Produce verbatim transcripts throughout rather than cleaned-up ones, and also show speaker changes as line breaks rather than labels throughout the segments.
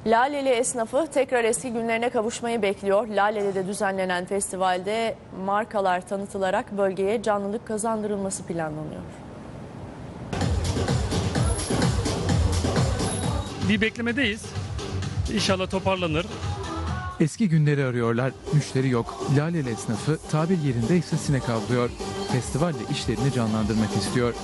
Laleli esnafı tekrar eski günlerine kavuşmayı bekliyor. Laleli'de düzenlenen festivalde markalar tanıtılarak bölgeye canlılık kazandırılması planlanıyor.
Bir beklemedeyiz. İnşallah toparlanır.
Eski günleri arıyorlar. Müşteri yok. Laleli esnafı tabir yerindeyse sinek avlıyor. Festivalle işlerini canlandırmak istiyor.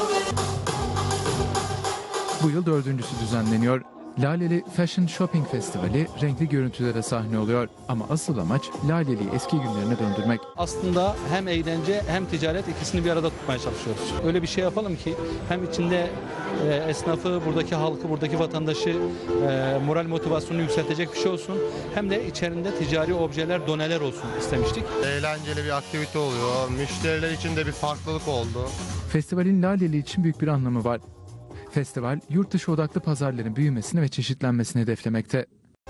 Bu yıl dördüncüsü düzenleniyor. Laleli Fashion Shopping Festivali renkli görüntülere sahne oluyor. Ama asıl amaç Laleli'yi eski günlerine döndürmek.
Aslında hem eğlence hem ticaret ikisini bir arada tutmaya çalışıyoruz. Öyle bir şey yapalım ki hem içinde e, esnafı, buradaki halkı, buradaki vatandaşı e, moral motivasyonunu yükseltecek bir şey olsun. Hem de içerisinde ticari objeler, doneler olsun istemiştik.
Eğlenceli bir aktivite oluyor. Müşteriler için de bir farklılık oldu.
Festivalin Laleli için büyük bir anlamı var. Festival, yurt dışı odaklı pazarların büyümesini ve çeşitlenmesini hedeflemekte.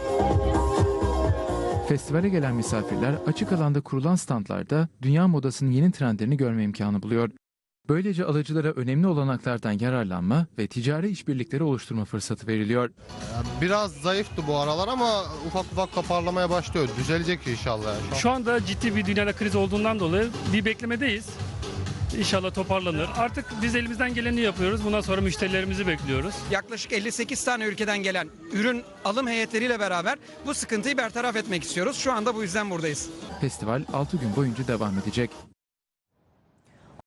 Festivale gelen misafirler açık alanda kurulan standlarda dünya modasının yeni trendlerini görme imkanı buluyor. Böylece alıcılara önemli olanaklardan yararlanma ve ticari işbirlikleri oluşturma fırsatı veriliyor.
Biraz zayıftı bu aralar ama ufak ufak toparlamaya başlıyor. Düzelecek inşallah.
Şu anda ciddi bir dünyada kriz olduğundan dolayı bir beklemedeyiz. İnşallah toparlanır. Artık biz elimizden geleni yapıyoruz. Bundan sonra müşterilerimizi bekliyoruz.
Yaklaşık elli sekiz tane ülkeden gelen ürün alım heyetleriyle beraber bu sıkıntıyı bertaraf etmek istiyoruz. Şu anda bu yüzden buradayız.
Festival altı gün boyunca devam edecek.